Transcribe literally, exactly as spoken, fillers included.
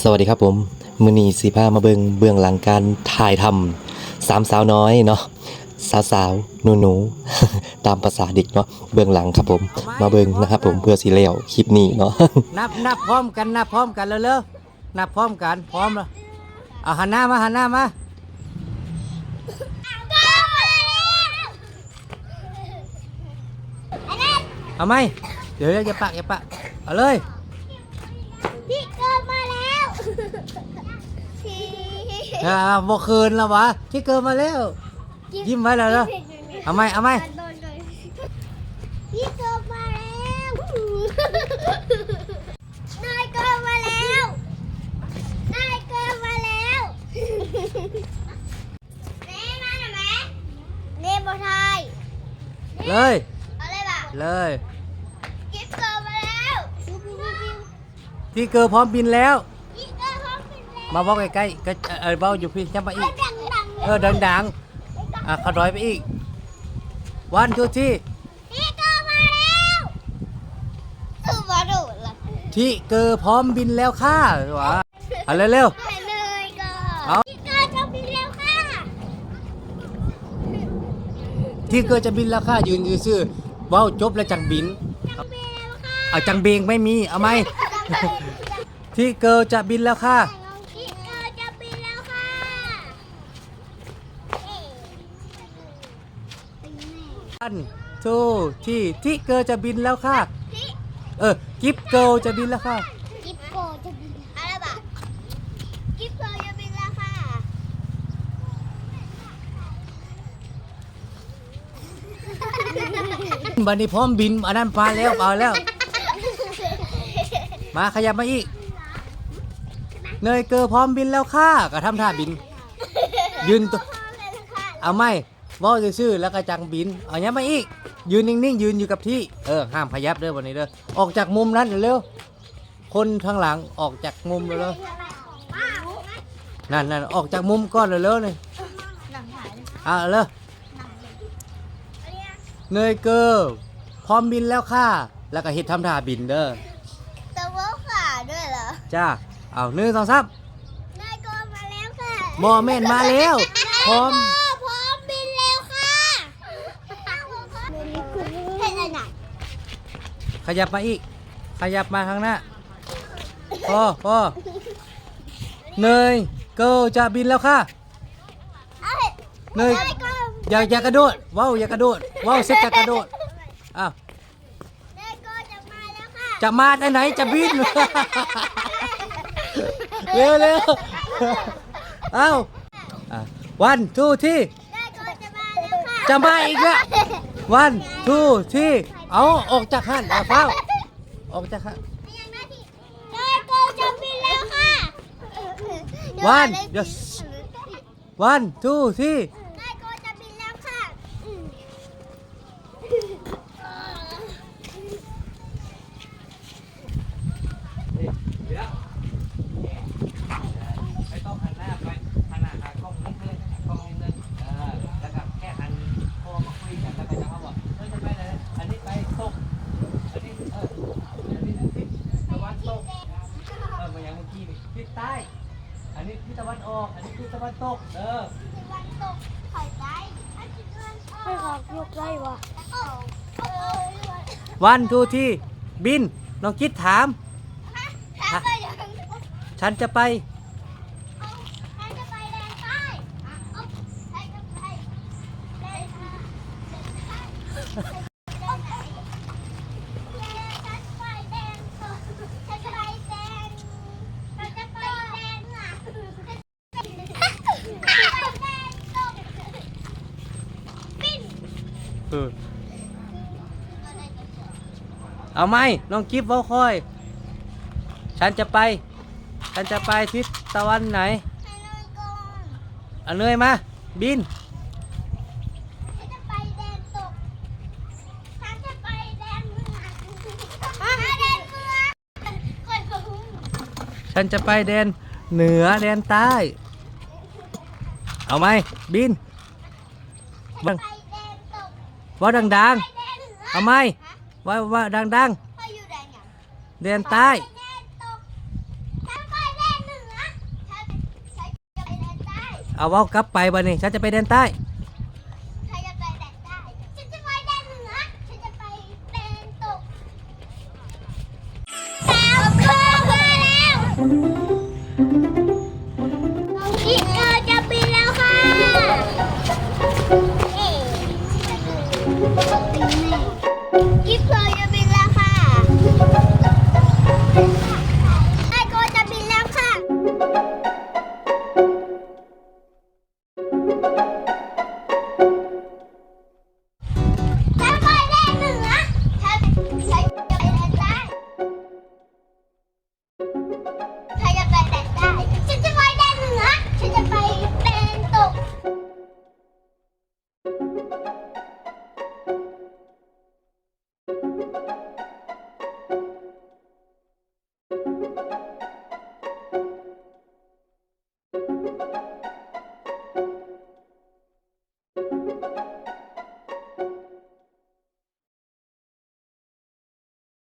สวัสดีครับผมมือนีสีผ้ามาเบิงเบื้องหลังการถ่ายทำสามสาวน้อยเนาะสาวสาวหนูหนู ตามภาษาเด็กเนาะเบื้องหลังครับผมมาเบิงนะครับผมเพื่อสีเลี้ยวคลิปนี้เนาะนับนับพร้อมกันนับพร้อมกันเร็วๆนับพร้อมกันพร้อมแล้วเอาหันหน้ามาหันหน้ามาเอาไหมเดี๋ยวอย่าปะอย่าปะเอาเลยพี่เกิดมาแล้วทีอ่าบ่คืนแล้ววะที่เกิดมาแล้วยิ้มไว้แล้วเนาะเอาไหมเอาไหมพี่เกิดมาแล้วนายเกิดมาแล้วนายเกิดมาแล้วแม่มาหน่อยไหมเนบไทยเลยเอาเลยป่ะเลยกิ๊บเกิดมาแล้วปิ๊บปิ๊บปิ๊บที่เกิดพร้อมบินแล้วพี่เกิดพร้อมกันแล้วมาบอกใกล้ๆก็เออเบาอยู่พี่จะมาอีกดังดังเออดังๆอ่ะขดอยไปอีกวันทูที่พี่เกิดมาแล้วคือมาดูละที่เกิดพร้อมบินแล้วค่ะวะเอาเร็วไปเลยก่อนเอาพี่เกิดจะบินแล้วค่ะๆที่เกิดจะบินแล้วค่ะยืนยืนซื่อเว้าจบแล้วจังบินจะบินแล้วค่ะเอาจังเบงไม่มีเอาไหม ที่เกิดจะบินแล้วค่ะพี่เกิดจะบินแล้วค่ะเอ๊ะวันทูที่ที่เกิดจะบินแล้วค่ะพี่เออกิฟเกิลจะบินแล้วค่ะกิ๊บโกจะบินอะไรบ้างกิ๊บโกจะบินแล้วค่ะบันนี้พร้อมบินอันนั้นมาแล้วเอาแล้ว มาขยับมาอีกเนยเกิดพร้อมบินแล้วค่ะก็ทำท่าบิน ยืนตัวเอาไหมเว่าซื่อๆแล้วก็จังบินเอาเนี้ยมาอีกยืนนิ่งๆยืนอยู่กับที่เออห้ามขยับเด้อวันนี้เด้อออกจากมุมนั้นเร็วๆคนข้างหลังออกจากมุมเร็วๆนั่นนั่นออกจากมุมก้อนเร็วๆเลยเอาเลยเนยเกิดพร้อมบินแล้วค่ะแล้วก็เฮ็ดทำท่าบินเด้อตะวันขาด้วยเหรอจ้าเอาหนึ่งสองสามนายโกมาแล้วค่ะบอแม่นมาแล้วพร้อมพร้อมบินแล้วค่ะเห็นอะไรขยับมาอีก ขยับมาข้างหน้าพอพอเนยเกิลจะบินแล้วค่ะ เนย อย่าอย่ากระโดดว้าวอย่ากระโดดว้าวเสร็จจะกระโดดอ้าวนายโกจะมาแล้วค่ะจะมาได้ไหนจะบิน เร็วเร็วเอ้าวันทูที่นายโกจะมาแล้วค่ะจะมาอีกแล้ววันทูที่เอาออกจากหันเอาเฝ้าออกจากหันนายโกจะบินแล้วค่ะวันเดี๋ยววันทูที่นายโกจะบินแล้วค่ะไม่ต้องหันหน้าไปหันหน้าหากล้องนิดนึงกล้องนิดนึงเออแล้วก็แค่หันคอมาคุยกันแล้วก็จะเขาบอกเฮ้ยจะไปไหนอันนี้ไปตกอันนี้เอออันนี้ทิศตะวันตกเออมาอย่างเมื่อกี้นี่ทิศใต้อันนี้ทิศตะวันออกอันนี้ทิศตะวันตกเออวันตกถอยไปอันที่เงินออกไม่ออกยกไล่วะออกเออวันทูที่บินน้องคิดถามถ้าไปยังฉันจะไปฉันจะไปแดนใต้เอาฉันจะไปแดนใต้ฉันไปแดนตกฉันไปแดนฉันจะไปแดนหลังไปแดนตกปิ้นเออเอาไหมน้องกิฟต์เว้าคอย ฉันจะไป ฉันจะไปทิศตะวันไหนให้นอนก่อนเอาเนยมา บินฉันจะไปแดนตกฉันจะไปแดนเมืองอ่ะแดนเมืองคอยพูดฉันจะไปแดนเหนือแดนใต้ เอาไหมบินฉันจะไปแดนตกว่าดังไปแดนเหนือๆ เอาไหมว่าว่าดังคอยอยู่แดนหยังๆ แดนใต้ไปแดนตกฉันไปแดนเหนือเอาเว้ากลับไปบัดนี้ฉันจะไปแดนใต้